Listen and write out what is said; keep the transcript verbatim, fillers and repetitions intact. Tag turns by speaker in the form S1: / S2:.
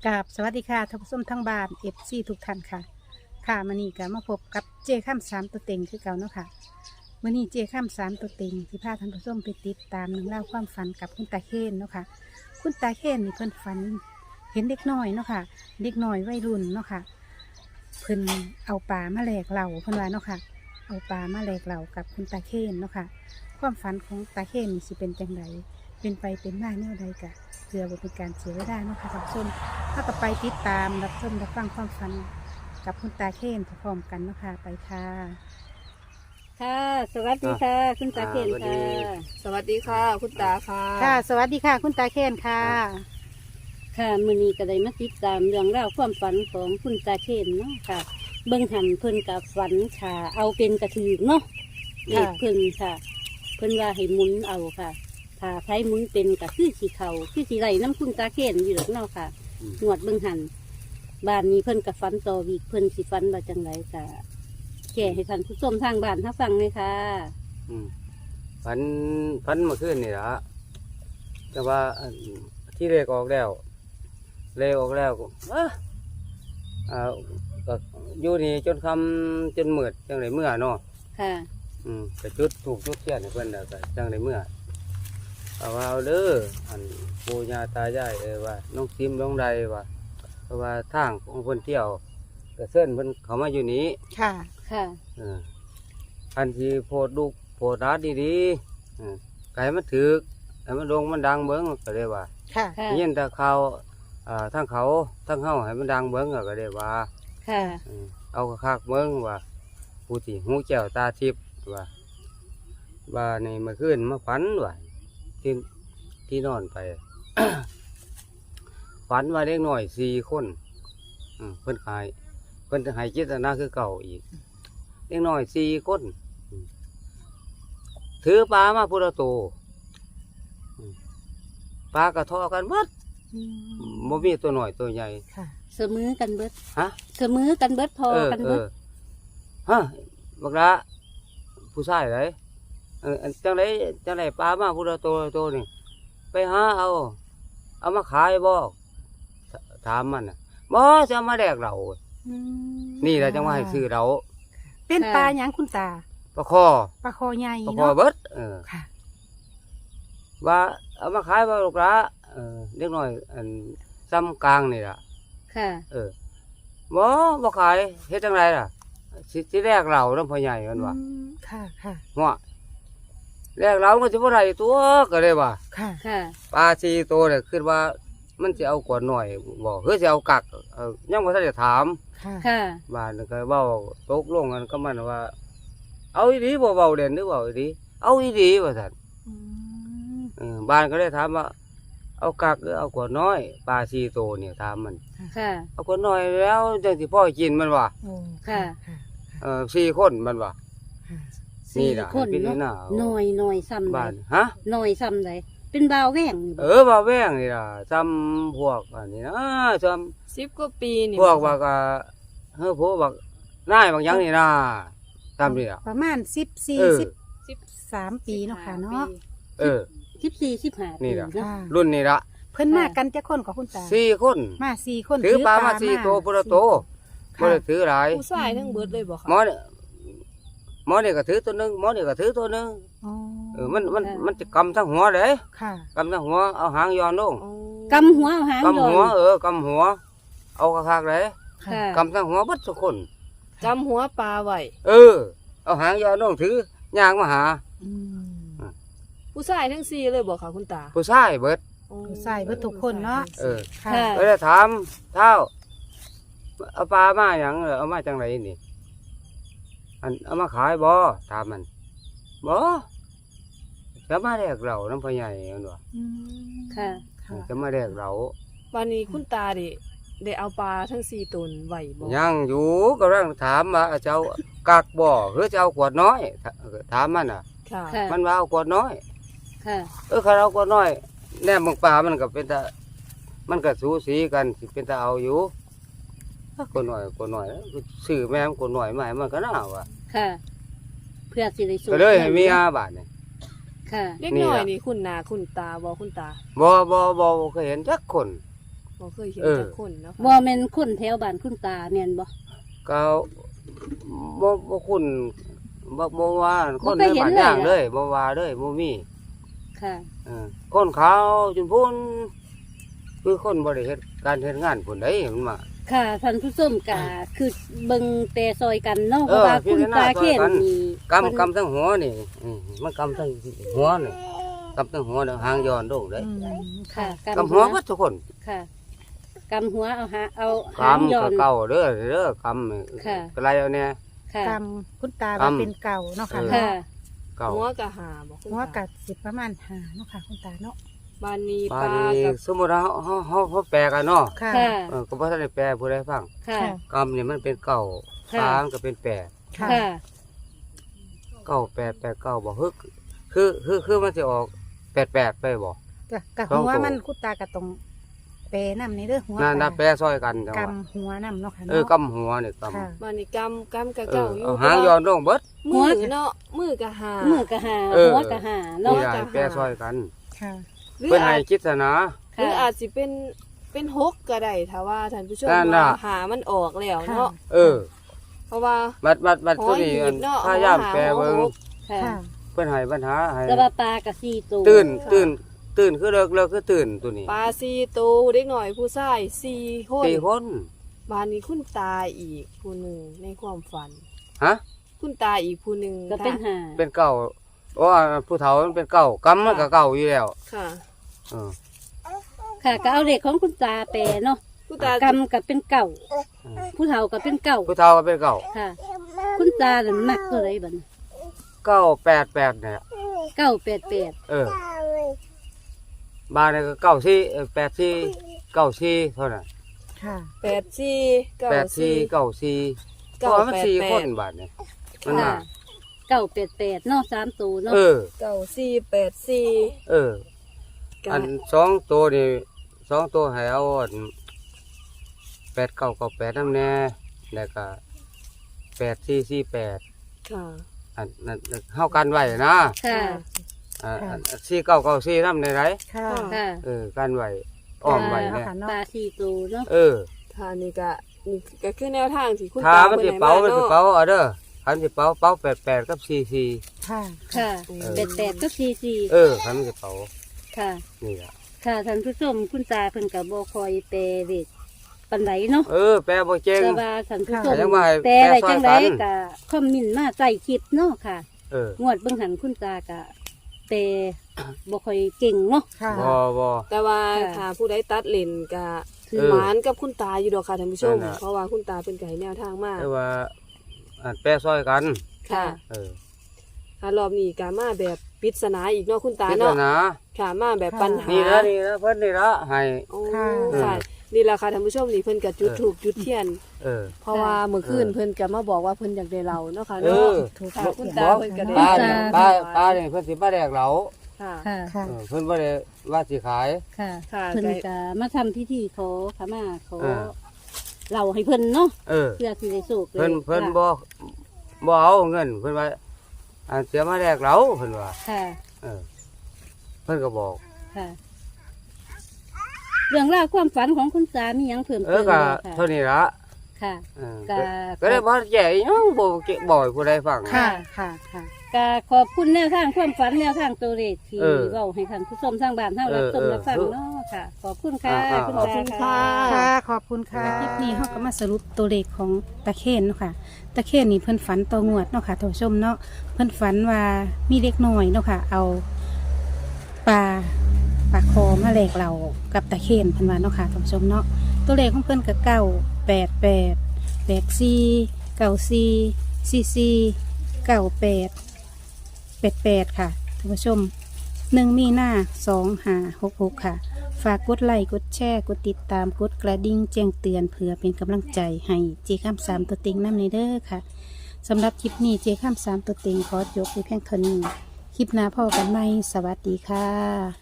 S1: กราบสวัสดีค่ะท่านผู้ชมทั้งบ้านเอฟซีทุกท่านค่ะค่ะมื่อนี้ก็มาพบกับเจข้ามสามตัวเต็งคือเก่าเนาะค่ะมื่อนี้เจข้ามสามตัวเต็งที่พาท่านผู้ชมไปติดตามหนึ่องเล่าวความฝันกับคุณตาเคนเนาะค่ะคุณตาเคนนี่เพิ่นฝันเห็นเด็กน้อยเนาะค่ะเด็กน้อยวัยรุ่นเนาะค่ะเพิ่นเอาปลามาแหลกเหล่าเพิ่นว่าเนาะค่ะเอาปลามาแหลกเหล่ากับคุณตาเคนเนาะค่ะความฝันของตาเคนนี่สิเป็นจังไดเป็นไปเป็นมาแนวใดกะเพื่อบ่เป็นการเสียเวลาเนาะค่ะท่านผู้ชม ถ้ากับไปติดตามรับชมรับฟังความฝันกับคุณตาเคนพร้อมกันเนาะค่ะไปค่ะค่ะสวัสดีค่ะ คุณตาเคนค่ะ
S2: สวัสดีค่ะ คุณตาค่ะ
S1: ค่ะ สวัสดีค่ะ คุณตาเคนค่ะ
S3: ค่ะมื้อนี้ก็ได้มาติดตามเรื่องราวความฝันของคุณตาเคนเนาะค่ะ เบิ่งหันเพิ่นกับฝันค่ะเอาเป็นกระถือเนาะเลขเพิ่นค่ะ เพิ่นว่าให้หมุนเอาค่ะถ้าใช้หมุนเป็นก็คือสีเขาคือสีไหลน้ำคุณตาเคนอยู่หรอกเนาะค่ะหนวดเบิ่งหันบ้านนี้เพิ่นกับฝันต่อวีกเพิ่นสิฝันว่าจังไรค่ะแก่ให้ท่านผู้ชมทางบ้านถ้าฟังเลยค่ะ
S4: อืมฝันฝันเมื่อคืนนี่ละแต่ว่าอันที่เลขออกแล้วเลขออกแล้วก็เอ้ออ่าก็อยู่นี่จนคำจนมืดจังไรเมื่อเนาะ
S3: ค่ะ
S4: อืมก็จุดถูกจุดเทียนให้เพิ่นแล้วก็จังไรเมื่อเอาว่าเอาเด้ออันปู่ย่าตายายเอ้ยว่าน้องซิมน้องใดว่าเพราะว่าทางของเพิ่นเที่ยวก็เส้นเพิ่นเขามาอยู่นี้
S1: ค่ะ
S3: ค่ะ
S4: เอออันที่โพดลูกโพดร้านดีๆอืมไก่มันถือไก่มันโด่งมันดังเบิ้งก็เลยว่า
S1: ค่ะ
S3: ค่ะ
S4: ยินแต่เขาอ่าทั้งเขาทั้งเฮาให้มันดังเบิ้งก็เลยว่า
S3: ค่ะ
S4: อืมเอากระคากเบิ้งว่าผู้ที่หูแก้วตาทิพย์ว่าว่าในเมื่อคืนมาฝันว่าที่ที่นอนไป ฝันว่าเด็กน้อยสี่คนอืมเพิ่นหายเพิ่นจะหายจิตนาคือเก่าอีกเด็กน้อยสี่คนอืมถือปลามาพุทธโตอืมปลากระทอกันเบิดบ่มีตัวหน่อยตัวใหญ่
S1: ค่ะ
S3: เสมอกันเบิด
S4: ฮะ
S3: เสมอกันเบิดพอ
S4: เออ
S3: กัน
S4: เอ
S3: เบิด
S4: อฮะบักละผู้ชายไรเอออันจังไรจังไรปลามาพุทธโตโตนี่ไปหาเอา เอามาขายบ่ถถามมันน่ะบ่จะเอามาแดกเรา
S1: อืม
S4: นี่แหละจังว่าให้ซื้อเรา
S1: เป็นปลาหยังคุณตา
S4: ปลาคอ
S1: ปลาคอใหญ่
S4: ปลาคอ
S1: เนาะ
S4: เบิดเออ
S1: ค่ะ
S4: ว่าเอามาขายบ่ลูกละเออเล็กน้อยอันซ้ำกลางนี่ล่ะ
S3: ค่ะ
S4: เออบ่บ่ขายเฮ็ดจังไรล่ะสิสิแรกเราน้ำพ่อใหญ่กันว่า
S1: อืมค่ะค่ะ
S4: หัวแรกเราก็สิบ่ได้ตัวก็เลยว่า
S1: ค่ะ
S3: ค่ะ
S4: ปลาสี่ตัวเนี่ยคิดว่ามันสิเอากว่าหน่อยบ่เฮ้ยสิเอากักเออยังบ่ทันได้ถาม
S1: ค่ะ
S3: ค่ะ
S4: บ้านก็เว้าตกลงกันก็มันว่า เอาอีหลีบ่เว้าเล่นหรือเว้าอีหลีเอาอีหลีว่าซั่น
S1: อืม
S4: เออบ้านก็ได้ถามว่า เอากักหรือเอากว่าน้อยปลาสี่ตัวเนี่ยถามมัน
S3: ค่ะ
S4: เอากว่าน้อยแล้วจังสิพ่อกินมันว่า
S1: โอ้
S3: ค่ะ
S1: ค่ะ
S4: เออสี่คนมันว่า
S1: ค่ะ
S4: นี่
S3: สี่
S4: ล่ะ
S3: คน
S4: เป็น
S3: เนาะ
S4: หน้า
S3: หน่อยหน่อยซ้ำใด
S4: บ้านฮะ
S3: หน่อยซ้ำใดเป็นบ่าวแหว่งนี่
S4: เอ
S3: บ่
S4: อว่าแว่งนี่ล่ะซ้ำพวกอันนี้นะซ้ำ
S2: สิบกว่าปีนี่
S4: พวกว่าก็เฮ้อพวกบักนายบางอย่างนี่นะตามนี่ล่ะ
S1: ประมาณสิบสี่
S4: เออ
S1: สิบ
S2: สิบ
S1: สามปีเนาะค่ะเนาะ
S4: เออ
S3: สิบสี่สิบห้า
S4: นี่
S3: ปี
S4: ล่ะ
S3: เนาะ
S1: ค่ะ
S4: รุ่นนี้ละ
S1: เพิ่นมากันจะคนกับคุณตา
S4: สี่คน
S1: มาสี่คน
S4: ถือปลามาสี่ตัวพุทธโตบ่
S1: ค่ะ
S4: ได้ถือหลาย
S2: ผู้ชายทั้งเบิดเลยบ่คะ
S4: หมอนี่หมอนี่ก็ถือตัวหนึงหมอนี่ก็ถือตัวหนึง
S1: อ๋อ
S4: เออมันมันมันจะกำทั้งหัวเลย
S1: ค่ะ
S4: กำทั้งหัวเอาหางย้อนลง
S2: อ๋อก
S3: ำหัวเอาหาง
S4: กำ
S3: ย้อ
S4: หัวน เออกำหัว เอากระคากเลย
S3: ค่ะ
S4: กำทั้งหัวเบัดทุกคน
S2: จำหัวปลาไว้
S4: เออ เอาหางย้อนลงถือย่างมาหา
S1: อืม
S2: ผู้ชายทั้งสี่เลยบ่คะคุณตา
S4: ผู้ชายเบิด
S2: อ๋อ
S1: ผู้ชายเบิดทุกคนเนาะ
S4: เออ
S1: ค่ะ
S3: ค่ะ
S4: ก็เลยถามเท่าเอาปลามาอย่างเหรอเอามาจังไรนี่อันเอามาขายบ่ถามมันบ่จะมาแดกเราน้ำพ่อใหญ่มันว่า
S1: อืม
S3: ค่ะ
S1: ค่ะ
S4: จะมาแดกเรา
S2: วันนี้คุณตาดิได้เอาปลาทั้งสี่ตนไว้บ่
S4: ยังอยู่ก็ร่างถามว่าเจ้ากักบ่หรือจะเอาขวดน้อยถามมันอ่ะ
S2: ค่ะ
S3: ค่ะ
S4: มันว่าเอาขวดน้อย
S3: ค่ะ
S4: เออเขาเอาขวดน้อยแนบมึงปลามันก็เป็นตามันก็สูสีกันสิเป็นตาเอาอยู่ขวดน้อยขวดน้อยซื้อแม่มขวดน้อยมาให้มันก็น่าว่ะ
S3: ค่ะ เพื่อสิได้สู
S4: ก็เลยให้มีอาบาทเนี่ย
S3: ค่ะ
S2: เล็ก
S4: นี่
S2: น้อย
S4: ล่ะ
S2: นี่คุณนาคุณตาบ่คุณตา
S4: บ่บ่บ่เคยเห็นจักคน
S2: บ่เคยเห็น
S4: เออ
S2: จักคนเนาะ
S3: บ่
S2: ค่ะ
S3: แม่นคนแถวบ้านคุณตาแม่นบ่
S4: ก็บ่บ่คุณบ่บ่ว่าคน
S3: บ่
S4: ใน
S3: เคยเห็น
S4: บ้าน
S3: เลย
S4: ย่าง
S3: อะ
S4: เลยบ่ว่าเลยบ่มี
S3: ค่ะ
S4: เออคนขาวจนพุ่นคือคนบ่ได้เฮ็ดการเฮ็ดงานพุ่นได้มันมา
S3: ค่ะท่านผู้ชมก็คือเบิ่งแต่ซอยกันเนาะเพ
S4: เออ
S3: ราะว่าคุณตา
S4: พิ
S3: เข
S4: จารณาซอยกัน
S3: นนี่
S4: กำกำทั้งหัวนี่อืมมันกำทั้งหัวนี่กำทั้งหัวแล้วหางย้อนลงได้
S1: อืม
S3: ค่ะ
S4: กำหัวหมดทุกคน
S3: ค่ะกำหัวเอาหาเอา
S4: ก
S3: หาง
S4: ำ
S3: ย้อ
S4: ก็
S3: น
S4: เก่าเด้อเด้อกำนี่
S3: ค่ะ
S4: ก็ไรเอาเนี่ย
S3: ค่ะ
S1: กรรมคุณตาว่าเป็นเก่าเนาะค่ะ
S4: เออ
S1: เนาะ
S3: ค่ะ
S4: เก่า
S2: หัวกะหาบ่คุณ
S1: หัว
S2: ตา
S1: กัดสิประมาณหาเนาะค่ะคุณตาเนาะ
S2: บ้านนี้
S4: บ้า
S2: ป
S4: น
S2: ลา
S4: นี้
S2: กับ
S4: สมมุติว่าเฮาเฮาเฮาเฮาแปลกันเนาะ
S1: ค่ะ
S3: ค่ะ
S4: เออก็บ่ทันได้แปลผู้ใดฟัง
S3: ค่ะ
S4: กำนี่มันเป็นเก่า
S3: ค่ะ
S4: ปลามันก็เป็นแปด
S1: ค่ะ
S3: ค่ะ
S4: เก้าแปดแปดเก้าบ่ฮึกคือคือคือมันสิออกแปดแปดไปบ่
S1: กะกะ
S4: สอง
S1: หัว
S4: ตัว
S1: มันคุณตากะตรงเปนำในเด้อหัว
S4: น่า
S1: ตา
S4: น่าแปลซอยกันจัง
S1: ก
S4: ว่า
S1: ำหัวนำเนาะค่ะ
S4: เออ
S1: เนาะ
S4: กำหัวนี่กำ
S1: ค่ะ
S2: บ้านนี้กำกำกะ
S4: เอ
S2: เก่า
S4: อ
S2: อยู่
S4: เอาหางย้อนลงเบิด
S2: มือเนาะมือกะหา
S3: มือกะหา
S4: เออ
S3: หัวกะหา
S4: นี่
S3: เนาะ
S4: ได้แปลซอยกัน
S1: ค่ะ
S2: หรือ
S4: เพิ่นให้
S2: อาจ
S4: คิดซะนะ
S2: หรือ
S3: ค่ะ
S2: อาจสิเป็นเป็นหกก็ได้ถ้าว่าท่านผู้ชม
S4: นั่นน่ะ
S2: ว่าหามันออกแล้วเนาะ
S4: เออ
S2: เพราะว่า
S4: บัดบัดบัดตัวนี้
S2: หอยหยิบเนาะ
S4: พยายามแปลเบิ่ง
S3: ค่ะ
S1: ค่ะ
S4: เพิ่นให้ปัญหาให้
S3: แต่ว่าปลากะสี่ตัว
S4: ตื่นตื่นตื่นคือเลิกเลิกคือตื่นตัวนี้
S2: ปลาซีตูเด็กหน่อยผู้ชายสี่คน
S4: สี่คน
S2: บ้านนี้คุณตาอีกผู้หนึ่งในความฝัน
S4: ฮะ
S2: คุณตาอีกผู้หนึ่ง
S3: ก็เป็นหา
S4: เป็นเก่าโอ้ผู้เฒ่ามันเป็นเก่ากำมันก็เก่าอยู่แล้ว
S2: ค่ะ
S4: เออ
S3: ค่ะก็เอาเลขของคุณตาแปลเนาะ
S2: คุณตาก
S3: ำกับเป็นเก่า ผู้เฒ่ากับเป็นเก่า
S4: ผู้เฒ่าก็เป็นเก่า
S3: ค่ะ คุณตาน่ะมักตัวไรบัดนี้
S4: เก้าแปดแปดเนี่ย
S3: เก้าแปดแปด
S4: เออบ้านนี่ก็เก้าสี่เออแปดสี่เก้าสี่เท่านั้น
S1: ค่ะ
S2: แปดสี่เก้า
S4: แปดสี่
S2: สี่
S4: เก้าสี่เพ
S2: เก้า
S4: ราะว่ามัน
S2: แปด
S4: สี่
S2: แปด
S4: คนบาทเนี่ยมัน
S3: ค่ะ
S4: มา
S3: เก้าแปดแปดเนาะสามตัวเนาะ
S4: เออ
S2: เก้าสี่แปดสี่
S4: เออ อันสองตัวนี่สองตัวให้เอาอันแปดเก้าเก้าแปดน้ำแน่แล้วก็แปดสี่สี่แปด
S2: ค่ะ
S4: อันนั้นเฮากันไว้นะ
S3: ค่ะ
S4: อ่า
S1: ค่ะ
S4: อันสี่เก้าเก้าสี่น้ำในไร
S1: ค่ะ
S3: ค่ะ
S4: เออกันไว้อ้อมไว้เนี่ย
S1: ค่ะ
S3: ปลาสี่ตัวเนาะ
S4: เออ
S2: ค่ะนี่ก็นี่ก็คือแนวทางที่คุณ
S4: ถ้า
S2: ตา
S4: มัน
S2: เพิ่
S4: สิ
S2: นให้
S4: เป๋า
S2: มา
S4: มันสิ
S2: เนาะ
S4: เป๋าเอาเด้อคันสิเป๋าเป๋าแปดแปดกับสี่สี่
S1: ค่ะ
S3: ค่ะ
S2: เออ
S3: แปดแปดก็สี่สี่
S4: เออคันมันสิเป๋า
S3: ค่ะ
S4: นี่ล่ะ
S3: ค่ะท่านผู้ชมคุณตาเพิ่นกับบ่คอยแปลเลขปานใดเนาะ
S4: เออแปลบ่เจง
S3: แต่ว่าท่านผู้ชม
S4: ค่ะยังว่าให้
S3: แปลอะไรจังได
S4: แปลซอยกัน
S3: ก็คอมเมนต์มาใต้คลิปเนาะค่ะ
S4: เออ
S3: งวดเบิ่งหันคุณตากะแปลบ่ค่อยเก่งเนาะ
S1: ค่ะ
S4: บ่บ่
S2: แต่ว่า
S3: ค่ะ
S2: ถ้าผู้ใดตัดเลนก็
S3: คือ
S4: เออ
S2: หมานกับคุณตาอยู่ดอกค่ะท่านผู้ชม
S4: นั่นน่ะ
S2: เพราะว่าคุณตาเป็นไก่แนวทางมาก
S4: แต่ว่าอันแปลซอยกัน
S2: ค่ะ
S4: เออ
S2: ค่ะรอบนี้ก็มาแบบปริศนาอีกเนาะคุณตา
S4: พิจา
S2: เนาะ
S4: รณา
S2: ค่ะมาแบบปัญหา
S4: นี่ละนี่ละเพิ่นนี่ละให้
S2: โอ้
S1: ค่ะ
S2: ค่ะนี่แหละค่ะท่านผู้ชมนี่เพิ่นก็จุด
S4: เออ
S2: ถูกจุดเทียน
S4: เออ
S2: เพราะว่าเมื่อคืน
S4: เออ
S2: เพิ่นก็มาบอกว่าเพิ่นอยากได้เราเนาะค่ะ
S4: เอ
S2: เนาะ
S4: อ
S1: ถูก
S2: ค่ะ
S1: ถูก
S2: คุณ
S1: ถูก
S2: ตาเพิ่นก็ได้
S4: ป้าเนี่ยป้าป้าเนี่ยเพิ่นสิมาแดกเหลา
S2: ค่ะ
S3: ค่ะ
S1: ค่ะ
S4: เออเพิ่นบ่ได้ว่าสิขาย
S3: ค่ะ
S2: ค่ะ
S3: เพิ่น
S2: ได้
S3: ก็มาทำพิธีขอขมาขอ
S4: เออ
S3: เราให้เพิ่นเนาะ
S4: เออ
S3: เพื่อที่ได้สุข
S4: เพิ่นเพิ่นบ่บ่เอาเงินเพิ่นว่าอันเสียมาแดกเหลาเพิ่นว่า
S3: ค่ะ
S4: เออ เพิ่นก็บอก
S3: ค่ะ เรื่องราวความฝันของคุณสามีหยังเพิ่ม
S4: เอ
S3: เติ
S4: อ
S3: ม
S4: ก็
S3: บ่ค่ะ
S4: เท่านี้ละ
S3: ค่ะ
S4: เออ
S3: ก็
S4: ก็ได้บ่แย่อีหยังบ่เก็บบ่ให้ผู้ใดฟัง
S1: ค่ะ ค่ะ ค่ะ
S3: ก็ขอบคุณแนวทางความฝันแนวทางตัวเลขที่
S4: เออ
S3: เว้าให้ท่านผู้ชมทางบ้านเฮา
S4: เออ
S3: รับชม
S4: เออ
S3: รับฟังเนาะค่ะ ขอบคุณค่ะ
S4: อ่า
S3: คุณ
S2: ขอบ
S3: ตา
S2: คุณค่ะ
S1: ค่ะ ขอบคุณค่ะคลิปนี้เขาก็มาสรุปตัวเลขของตะเคียนเนาะค่ะ ตะเคียนนี่เพิ่นฝันต่องวดเนาะค่ะท่านผู้ชมเนาะ เพิ่นฝันว่ามีเด็กน้อยเนาะค่ะ เอาปลาปลาคอมาแหลกเรากับตะเคียนเพิ่นว่าเนาะค่ะท่านผู้ชมเนาะ ตัวเลขของเพิ่นก็เก้าแปดแปดแปดสี่เก้าสี่สี่สี่เก้าแปดแปดแปดค่ะท่านผู้ชมหนึ่งมีหน้าสองหาหกหกค่ะ ฝากกดไลค์กดแชร์กดติดตามกดกระดิ่งแจ้งเตือนเพื่อเป็นกำลังใจให้เจข้ามสามตัวเต็งน้ำในเด้อค่ะสำหรับคลิปนี้เจข้ามสามตัวเต็งขอยกไปเพียงเท่านี้คลิปหน้าพ่อกันไหมสวัสดีค่ะ